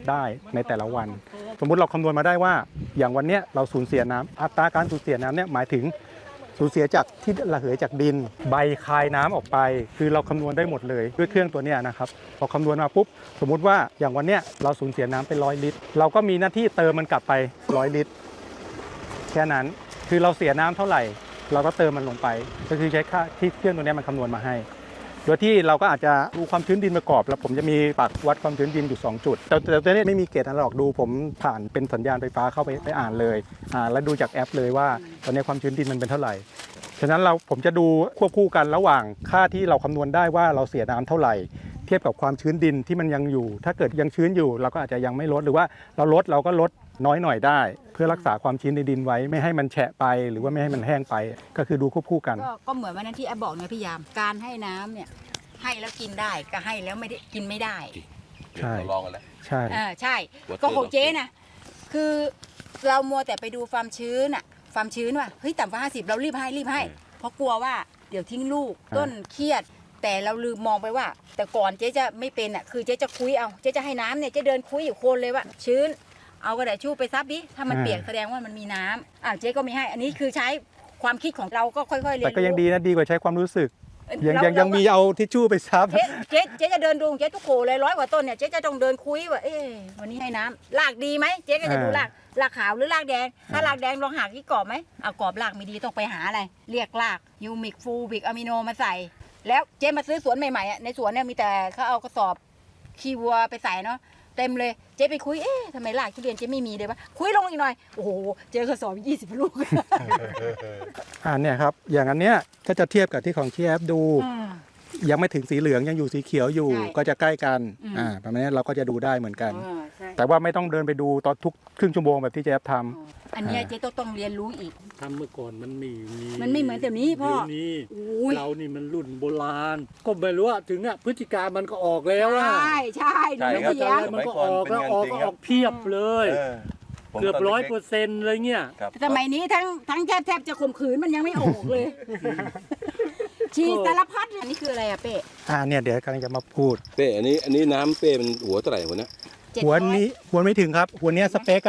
ได้ในแต่ละวัน สมมุติเราคำนวณมาได้ว่าอย่างวันนี้เราสูญเสียน้ำอัตราการสูญเสียน้ำเนี่ยหมายถึงสูญเสียจากที่ระเหยจากดินใบคายน้ำออกไปคือเราคำนวณได้หมดเลยด้วยเครื่องตัวนี้นะครับพอคำนวณมาปุ๊บสมมุติว่าอย่างวันนี้เราสูญเสียน้ำไป100 ลิตรเราก็มีหน้าที่เติมมันกลับไป100 ลิตรแค่นั้นคือเราเสียน้ำเท่าไหร่เราก็เติมมันลงไปก็คือใช้ค่าที่เครื่องตัวนี้มันคำนวณมาให้โดยที่เราก็อาจจะดูความชื้นดินประกอบแล้วผมจะมีปากวัดความชื้นดินอยู่2จุดแต่ตัวนี้ไม่มีเกจอะไรหรอกดูผมผ่านเป็นสัญญาณไฟฟ้าเข้าไปอ่านเลยแล้วดูจากแอปเลยว่าตอนนี้ความชื้นดินมันเป็นเท่าไหร่ฉะนั้นผมจะดูควบคู่กันระหว่างค่าที่เราคำนวณได้ว่าเราเสียน้ำเท่าไหร่เทียบกับความชื้นดินที่มันยังอยู่ถ้าเกิดยังชื้นอยู่เราก็อาจจะยังไม่ลดหรือว่าเราก็ลดน้อยหน่อยได้เพื่อรักษาความชื้นในดินไว้ไม่ให้มันแฉะไปหรือว่าไม่ให้มันแห้งไปก็คือดูควบคู่กันก็เหมือนวันนั้นที่แอปบอกเนี่ยพี่ยามการให้น้ำเนี่ยให้แล้วกินได้ก็ให้แล้วไม่ได้กินไม่ได้ใช่ลองกันแล้วใช่ใช่ก็ของเจ๊นะคือเรามัวแต่ไปดูความชื้นอะความชื้นว่าเฮ้ยต่ำกว่า50เรารีบให้เพราะกลัวว่าเดี๋ยวทิ้งลูกต้นเครียดแต่เราลืมมองไปว่าแต่ก่อนเจ๊จะไม่เป็นอ่ะคือเจ๊จะคุยเอาเจ๊จะให้น้ำเนี่ยเจ๊เดินคุยอยู่โคนเลยว่าชื้นเอากระดาษชู่ไปซับดิถ้ามันเปียกแสดงว่ามันมีน้ำเจ๊ก็ไม่ให้อันนี้คือใช้ความคิดของเราก็ค่อยๆเรียนรู้แต่ก็ยังดีนะดีกว่าใช้ความรู้สึกยังมีเอาทิชชู่ไปซับเจ๊จะเดินดูเจ๊ทุกโขเลย100 กว่าต้นเนี่ยเจ๊จะต้องเดินคุยว่าวันนี้ให้น้ำรากดีไหมเจ๊ก็จะดูรากขาวหรือรากแดงถ้ารากแดงลองหาที่กรอบไหมกรอบรากไม่ดีต้องไปหาอะไรเรียกรากยูมิกฟูบิกอะมิโนมาใส่แล้วเจ๊มาซื้อสวนใหม่ๆในสวนเนี่ยมีแต่เขาเอากระสอบขี้วัวไปใส่เนาะเต็มเลยเจ๊ไปคุยทำไมรากทุเรียนเจ๊ไม่มีเลยวะคุยลงอีกหน่อยโอ้โหเจอกระสอบ20 ลูกเนี่ยครับอย่างอันเนี้ยก็จะเทียบกับที่ของที่แอปดูยังไม่ถึงสีเหลืองยังอยู่สีเขียวอยู่ก็จะใกล้กันประมาณนี้เราก็จะดูได้เหมือนกันแต่ว่าไม่ต้องเดินไปดูตอนทุกครึ่งชั่วโมงแบบที่เจ๊แอปทำอันนี้เจ๊ต้องเรียนรู้อีกทำเมื่อก่อนมันไม่เหมือนแต่นี้พ่อนี้เรานี่มันรุ่นโบราณก็ไม่รู้ว่าถึงพฤติการมันก็ออกแล้วใช่หนูไม่เถียงมันก็ออกแล้วออกเพียบเลยเกือบ100%เลยเนี่ยสมัยนี้ทั้งแทบจะข่มขืนมันยังไม่ออกเลยชีสารพัดอันนี้คืออะไรเป้เนี่ยเดี๋ยวกำลังจะมาพูดเป้อันนี้น้ำเป้มันหัวเท่าไหร่หัวนะหัวไม่ถึงครับหัวนี้สเปค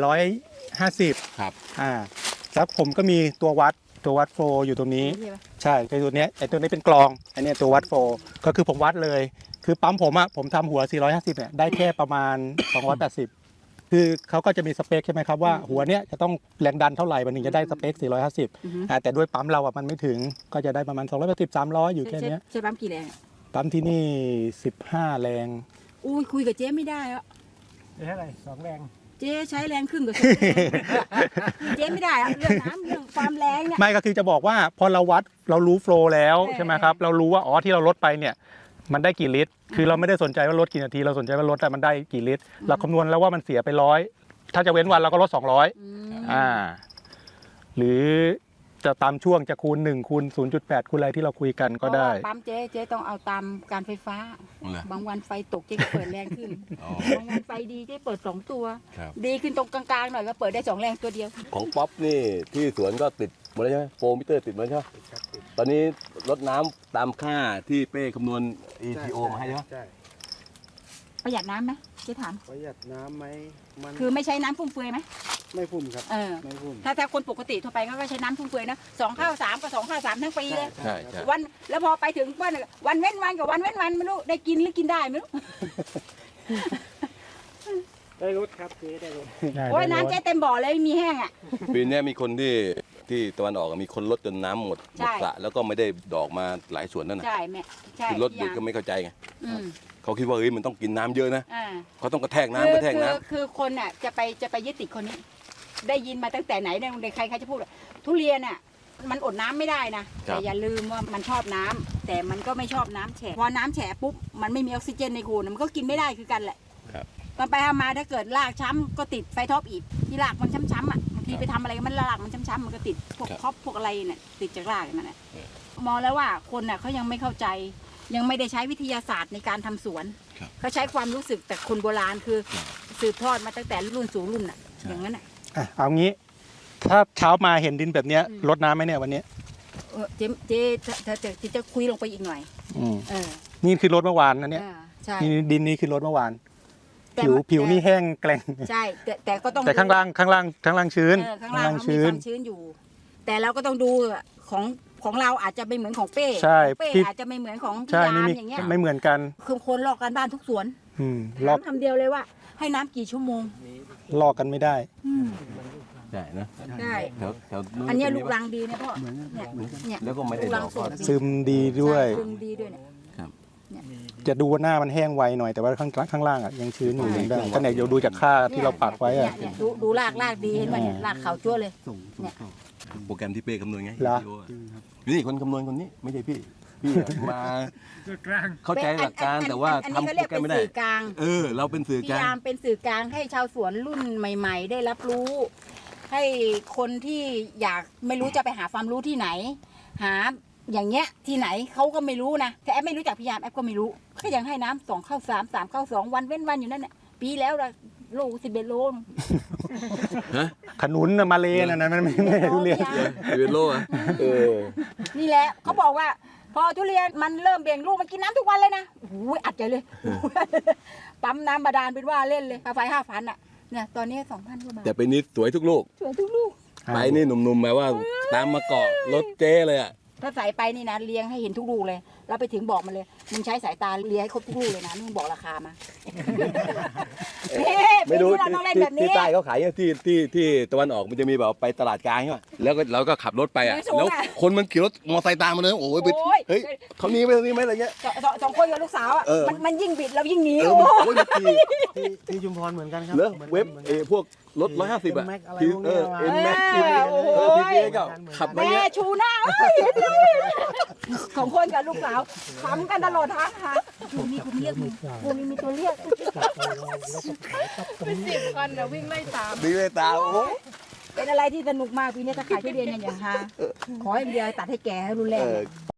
450 ครับแล้วผมก็มีตัววัดโฟอยู่ตรงนี้ใช่ไอ้ตัวนี้เป็นกลองอันนี้ตัววัดโฟก็คือผมวัดเลยคือปั๊มผมทำหัว450เนี่ยได้แค่ประมาณ280คือเขาก็จะมีสเปคใช่ไหมครับว่าหัวเนี้ยจะต้องแรงดันเท่าไหร่มันถึงจะได้สเปค450แต่ด้วยปั๊มเรามันไม่ถึงก็จะได้ประมาณ280 300อยู่แค่นี้ใช้ปั๊มกี่แรงปั๊มที่นี่15 แรงอุ้ยคุยกับเจ๊ไม่ได้อะเท่าไหร่2 แรงเจ๊ใช้แรงครึ่งกับเจ๊ไม่ได้เรื่องน้ำเรื่องความแรงเนี่ยไม่ก็คือจะบอกว่าพอเราวัดเรารู้โฟล์แล้วใช่ไหมครับเรารู้ว่าที่เราลดไปเนี่ยมันได้กี่ลิตรคือเราไม่ได้สนใจว่าลดกี่นาทีเราสนใจว่าลดแต่มันได้กี่ลิตรเราคำนวณแล้วว่ามันเสียไป100ถ้าจะเว้นวันเราก็ลด200หรือจะตามช่วงจะคูณ1คูณ 0.8 คูณอะไรที่เราคุยกันก็ได้ปั๊มเจ๊ต้องเอาตามการไฟฟ้าบางวันไฟตกเจ๊ก็เปิดแรงขึ้นบางวันไฟดีเจ๊เปิด2 ตัวดีขึ้นตรงกลางๆหน่อยก็เปิดได้2 แรงตัวเดียวของป๊อปนี่ที่สวนก็ติดหมดแล้วใช่ไหมโฟมิเตอร์ติดหมดใช่ไหมตอนนี้ลดน้ำตามค่าที่เป้คำนวณ ETO มาให้ใช่ไหมประหยัดน้ำไหมเจ๊ถามประหยัดน้ำไหมคือไม่ใช้น้ำฟุ่มเฟือยไหมไม่ฟุ่มครับไม่ฟุ่มถ้าคนปกติทั่วไปก็ใช้น้ำฟุ่มเฟือยนะ2 ข้าว 3กับ2 ข้าว 3ทั้งปีเลยใช่วันแล้วพอไปถึงวันเว้นวันกับวันเว้นวันไม่รู้ได้กินหรือกินได้ไม่รู้ได้รถครับเจ๊ได้รถโอ้ยน้ำเจ๊เต็มบ่อเลยมีแห้งปีนี้มีคนที่ตะวันออกมีคนลดจนน้ำหมดสระแล้วก็ไม่ได้ดอกมาหลายสวนนั่นน่ะใช่แม่ใช่ลดก็ไม่เข้าใจไงเขาคิดว่ามันต้องกินน้ำเยอะนะเขาต้องกระแทกน้ำคือคนจะไปยึดติดคนนี้ได้ยินมาตั้งแต่ไหนใครจะพูดทุเรียนมันอดน้ำไม่ได้นะแต่อย่าลืมว่ามันชอบน้ำแต่มันก็ไม่ชอบน้ำแฉะพอน้ำแฉะปุ๊บมันไม่มีออกซิเจนในโคนมันก็กินไม่ได้คือกันแหละตอนไปทำมาถ้าเกิดรากช้ำก็ติดไฟท็อปอีกที่รากมันช้ำๆบางทีไปทำอะไรมันรากมันช้ำๆมันก็ติดพวกท็อปพวกอะไรเนี่ยติดจากรากนั่นแหละมองแล้วว่าคนเขายังไม่เข้าใจยังไม่ได้ใช้วิทยาศาสตร์ในการทำสวนเขาใช้ความรู้สึกแต่คนโบราณคือสืบทอดมาตั้งแต่รุ่นสู่รุ่นอย่างนั้นเอางี้ถ้าเช้ามาเห็นดินแบบนี้รดน้ำไหมเนี่ยวันนี้เจ๊จะคุยลงไปอีกหน่อยนี่คือรดเมื่อวานนะเนี่ยดินนี้คือรดเมื่อวานผิวนี่แห้งแกร่งใช่แต่ก็ต้องแต่ข้างล่างชื้นข้างล่างเขามีความชื้นอยู่ แต่เราก็ต้องดูของเราอาจจะไม่เหมือนของเป้ใช่ของเป้พี่อาจจะไม่เหมือนของพี่ใช่ยามไม่มีอย่างเงี้ยไม่เหมือนกันคือคนลอกกันบ้านทุกสวนลอกน้ำคำเดียวเลยว่า ให้น้ำกี่ชั่วโมงลอกกันไม่ได้ใช่นะใช่แถวนู้นอันเนี้ยจะลูมีกปะรังดีเนี่ยพ่อเนี่ยแล้วก็ไม่ได้ลูกรังดอกสดซึมดีด้วยใช่ซึมดีด้วยเนี่ยจะดูว่าหน้ามันแห้งไวหน่อยแต่ว่าข้างล่างอ่ะยังชื้นอยู่ยังได้ถ้าไหนเดี๋ยวดูจากค่าที่เราปักไว้อ่ะเนี่ยดูรากดีเห็นไหมเนี่ยรากขาวจั่วเลยเนี่ยโปรแกรมที่เป้คำนวณไงเหรอ ETO อะนี่คนคำนวณคนนี้ไม่ใช่พี่มาเข้าใจหลักการแต่ว่าอันทำนี้เขาโปเรีรยกแกรเป็มนไม่ได้สื่อกลางเราเป็นสื่อกลายพี่าง มเป็นสื่อกลางให้ชาวสวนรุ่นใหม่ ๆ ได้รับรู้ ให้คนที่อยากไม่รู้จะไปหาความรู้ที่ไหน หาอย่างเงี้ยที่ไหนเขาก็ไม่รู้นะแต่แอปไม่รู้จักพี่ยามแอปก็ไม่รู้ก็ยังให้น้ำ2 เข้า 3 3 เข้า 2 วันเว้นวันอยู่นั่นแหละปีแล้วละโล11 โลขนุนน่ะมาเลน่ะนะมันไม่ทุเรียนเวโลอ่ะนี่แหละเขาบอกว่า พอทุเรียนมันเริ่มเบ่งลูกมันกินน้ำทุกวันเลยนะโอ้ยอัดใจเลย ปั๊มน้ำบาดาลเป็นว่าเล่นเลยค่าไฟ5,000อ่ะเนี่ยตอนนี้ 2,000 กว่าบาทแต่ไปนี้สวยทุกลูกสวยทุกลูกไปนี่หนุ่มๆหมายว่าตามมาเกาะรถเจ๊เลยอ่ะถ้าใส่ไปนี่นะเลี้ยงให้เห็นทุกลูกเลยแล้วไปถึงบอกมันเลยมึงใช้สายตาเลี้ยงให้ครบทุกลูกเลยนะมึงบอกราคามาไม่รู้เราต้องเล่นแบบนี้ที่ใต้เขาขายอย่างที่ตะวันออกมันจะมีแบบไปตลาดกลางใช่ป่ะแล้วก็เราก็ขับรถไปอ่ะไม่สูงอะแล้วคนมันขี่รถมอเตอร์ไซค์ตามมาเลยโอ้ยไปโอ้ยเฮ้ยเขาหนี้ไหมอะไรเงี้ยสองคนกับลูกสาวอ่ะเออมันยิ่งบิดเรายิ่งหนีเออโอ้โอ้ยมันขี่ที่ชุมพรเหมือนกันครับเหรอเว็บพวกรถ150อ่ะ Max อะไรที่พวกเนี้ยเอ็นแม็กโอ้ยพีก็ขับมาแม่เงี้ยชูหน้าเอ้ยเห็นเลยสองคนกับลูกสาวขำกันตลอดทางค่ะชูมีคนเรียกมึงกูมีตัวเรียกเป็น10 คันนะวิ่งไล่ตามดีเลยตาโอ้ยเป็นอะไรที่สนุกมากปีนี้ถ้าขายทุเรียนเนี่ยอย่างฮาขออย่างเดียวตัดให้แก่ให้รุนแรงเนี่ย